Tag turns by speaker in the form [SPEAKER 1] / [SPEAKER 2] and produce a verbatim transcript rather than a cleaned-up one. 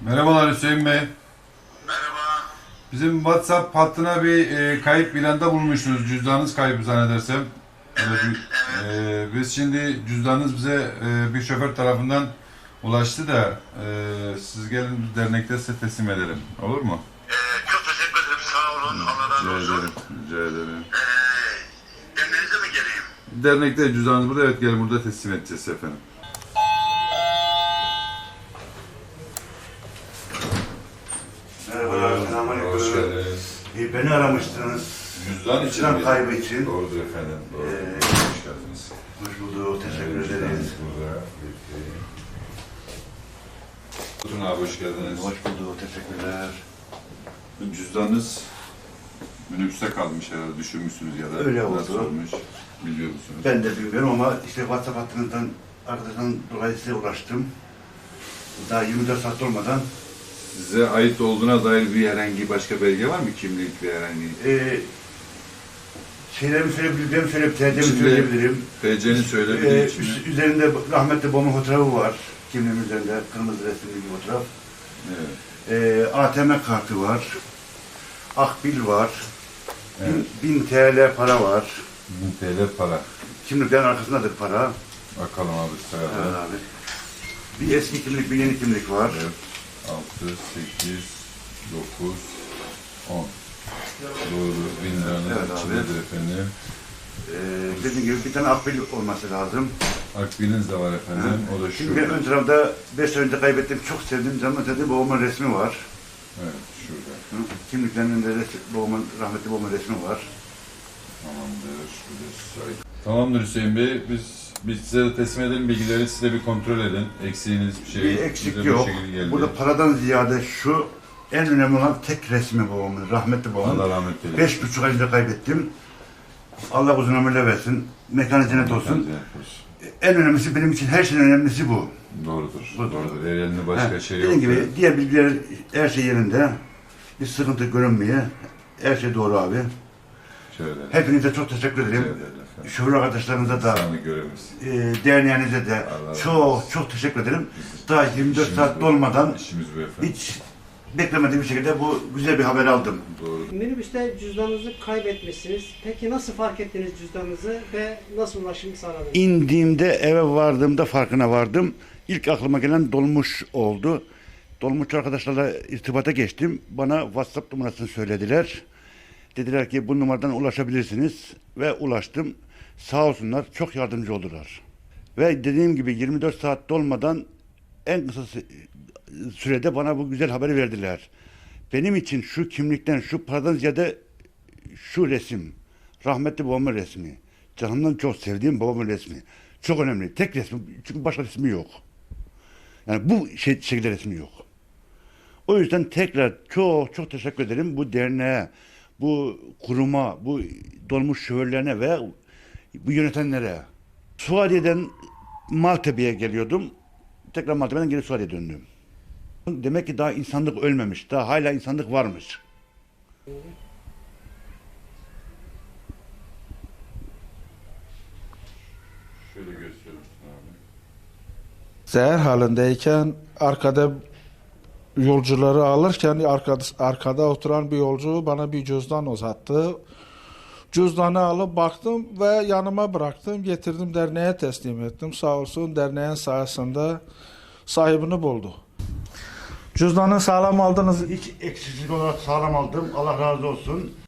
[SPEAKER 1] Merhabalar Hüseyin Bey.
[SPEAKER 2] Merhaba.
[SPEAKER 1] Bizim WhatsApp hattına bir e, kayıp ilanda bulmuşsunuz. Cüzdanınız kayıp zannedersem. Öyle
[SPEAKER 2] Evet,
[SPEAKER 1] bir-
[SPEAKER 2] evet.
[SPEAKER 1] e, biz şimdi cüzdanınız bize e, bir şoför tarafından ulaştı da e, siz gelin dernekte size teslim edelim. Olur mu?
[SPEAKER 2] Ee, çok teşekkür ederim. Sağ olun. Allah razı
[SPEAKER 1] Rica
[SPEAKER 2] olsun.
[SPEAKER 1] ederim. Rica ederim.
[SPEAKER 2] Ee, Derneğinize mi geleyim?
[SPEAKER 1] Dernekte cüzdanınız burada. Evet, gelin burada teslim edeceğiz efendim.
[SPEAKER 3] Merhabalar,
[SPEAKER 1] Hoş
[SPEAKER 3] selamünaleyküm.
[SPEAKER 1] geldiniz.
[SPEAKER 3] Ee, Beni aramıştınız.
[SPEAKER 1] Cüzdan için
[SPEAKER 3] Cüzdan
[SPEAKER 1] mi?
[SPEAKER 3] kaybı için.
[SPEAKER 1] Doğrudur efendim. Doğrudur.
[SPEAKER 3] Ee,
[SPEAKER 1] Hoş geldiniz.
[SPEAKER 3] Hoş bulduk, teşekkür
[SPEAKER 1] Evet,
[SPEAKER 3] ederiz.
[SPEAKER 1] cüzdanınız burada. Buyurun abi, hoş geldiniz.
[SPEAKER 3] Hoş bulduk, teşekkürler.
[SPEAKER 1] Cüzdanınız minibüste kalmış herhalde, düşürmüşsünüz ya da
[SPEAKER 3] Öyle oldu.
[SPEAKER 1] nasıl olmuş biliyor musunuz?
[SPEAKER 3] Ben de bilmiyorum ama işte WhatsApp hattından arkadaştan dolayı size ulaştım. Daha yirmi dört saat olmadan.
[SPEAKER 1] Size ait olduğuna dair bir herhangi başka belge var mı? Kimlik ve herhangi?
[SPEAKER 3] Ee, şeylerimi söyleyebilirim, söyleyip T C'mi
[SPEAKER 1] Şimdi-
[SPEAKER 3] söyleyebilirim.
[SPEAKER 1] T C'ni
[SPEAKER 3] Ee,
[SPEAKER 1] söyleyebilir
[SPEAKER 3] üst-
[SPEAKER 1] mi?
[SPEAKER 3] üzerinde rahmetli babamın fotoğrafı var. Kimliğim üzerinde kırmızı resimli bir fotoğraf.
[SPEAKER 1] Evet.
[SPEAKER 3] Ee, A T M kartı var. Akbil var.
[SPEAKER 1] Evet.
[SPEAKER 3] bin T L para var.
[SPEAKER 1] bin T L para.
[SPEAKER 3] Kimliklerin arkasındadır para.
[SPEAKER 1] Bakalım abi
[SPEAKER 3] Evet
[SPEAKER 1] sırada.
[SPEAKER 3] abi. Bir eski kimlik, bir yeni kimlik var.
[SPEAKER 1] Evet. altı, sekiz, dokuz, on. Doğru. Bin liranın
[SPEAKER 3] Evet abi.
[SPEAKER 1] içindedir efendim.
[SPEAKER 3] Ee, dediğim gibi bir tane akbil olması lazım.
[SPEAKER 1] Akbiliniz de var efendim. O da
[SPEAKER 3] Şimdi ben
[SPEAKER 1] şurada.
[SPEAKER 3] ön tarafta beş sene önce kaybettim. Çok sevdiğim canım dedi babamın resmi var.
[SPEAKER 1] Evet, şurada.
[SPEAKER 3] Hı? Kimliklerinin de resmi, babamın, rahmetli babamın resmi var.
[SPEAKER 1] Tamamdır. Şurada. Tamamdır Hüseyin Bey. Biz biz size de teslim edelim bilgileri, siz de bir kontrol edin. Eksiğiniz bir şey
[SPEAKER 3] Bir
[SPEAKER 1] bize
[SPEAKER 3] eksik
[SPEAKER 1] bu
[SPEAKER 3] yok.
[SPEAKER 1] şekilde geldi.
[SPEAKER 3] Burada paradan ziyade şu en önemli olan tek resmi babamın, rahmetli babamın.
[SPEAKER 1] Allah rahmet eylesin.
[SPEAKER 3] Beş buçuk ayda kaybettim. Allah uzun ömürler versin. Mekanı cennet olsun.
[SPEAKER 1] Kendinize yapıyoruz.
[SPEAKER 3] En önemlisi benim için her şeyin önemlisi bu.
[SPEAKER 1] Doğrudur.
[SPEAKER 3] Bu-
[SPEAKER 1] Doğrudur. Elinde başka
[SPEAKER 3] Ha,
[SPEAKER 1] şey yok.
[SPEAKER 3] dediğim gibi diğer bilgiler her şey yerinde. Bir sıkıntı görünmüyor. Her şey doğru abi.
[SPEAKER 1] Şöyle.
[SPEAKER 3] Hepinize çok teşekkür ederim.
[SPEAKER 1] Şöyle.
[SPEAKER 3] Şoför arkadaşlarınıza da,
[SPEAKER 1] Sağlık görevimiz.
[SPEAKER 3] e, derneğinize de
[SPEAKER 1] Allah razı
[SPEAKER 3] çok
[SPEAKER 1] olsun.
[SPEAKER 3] çok teşekkür ederim. Daha yirmi dört
[SPEAKER 1] İşimiz
[SPEAKER 3] saat
[SPEAKER 1] bu.
[SPEAKER 3] dolmadan
[SPEAKER 1] İşimiz bu efendim.
[SPEAKER 3] hiç beklemediğim bir şekilde bu güzel bir haber aldım.
[SPEAKER 1] Doğru.
[SPEAKER 4] Minibüste cüzdanınızı kaybetmişsiniz. Peki nasıl fark ettiniz cüzdanınızı ve nasıl ulaşım sağladınız?
[SPEAKER 3] İndiğimde eve vardığımda farkına vardım. İlk aklıma gelen dolmuş oldu. Dolmuşçu arkadaşlarla irtibata geçtim. Bana WhatsApp numarasını söylediler. Dediler ki bu numaradan ulaşabilirsiniz ve ulaştım. Sağ olsunlar çok yardımcı oldular. Ve dediğim gibi yirmi dört saat dolmadan en kısa sü- sürede bana bu güzel haberi verdiler. Benim için şu kimlikten, şu paradan ziyade şu resim, rahmetli babamın resmi, canımdan çok sevdiğim babamın resmi. Çok önemli. Tek resmi, çünkü başka resmi yok. Yani bu şey, şekilde resmi yok. O yüzden tekrar çok çok teşekkür ederim bu derneğe, bu kuruma, bu dolmuş şoförlerine ve bu yönetenlere. Suadiye'den Maltepe'ye geliyordum. Tekrar Maltepe'den geri Suadiye'ye döndüm. Demek ki daha insanlık ölmemiş. Daha hala insanlık varmış.
[SPEAKER 1] Şöyle gösteriyorum abi.
[SPEAKER 5] Zehir halindeyken arkada yolcuları alırken arkada, arkada oturan bir yolcu bana bir cüzdan uzattı. Cüzdanı alıp baktım ve yanıma bıraktım. Getirdim derneğe teslim ettim. Sağ olsun derneğin sayesinde sahibini buldu. Cüzdanı sağlam aldınız.
[SPEAKER 3] Hiç eksiksiz olarak sağlam aldım. Allah razı olsun.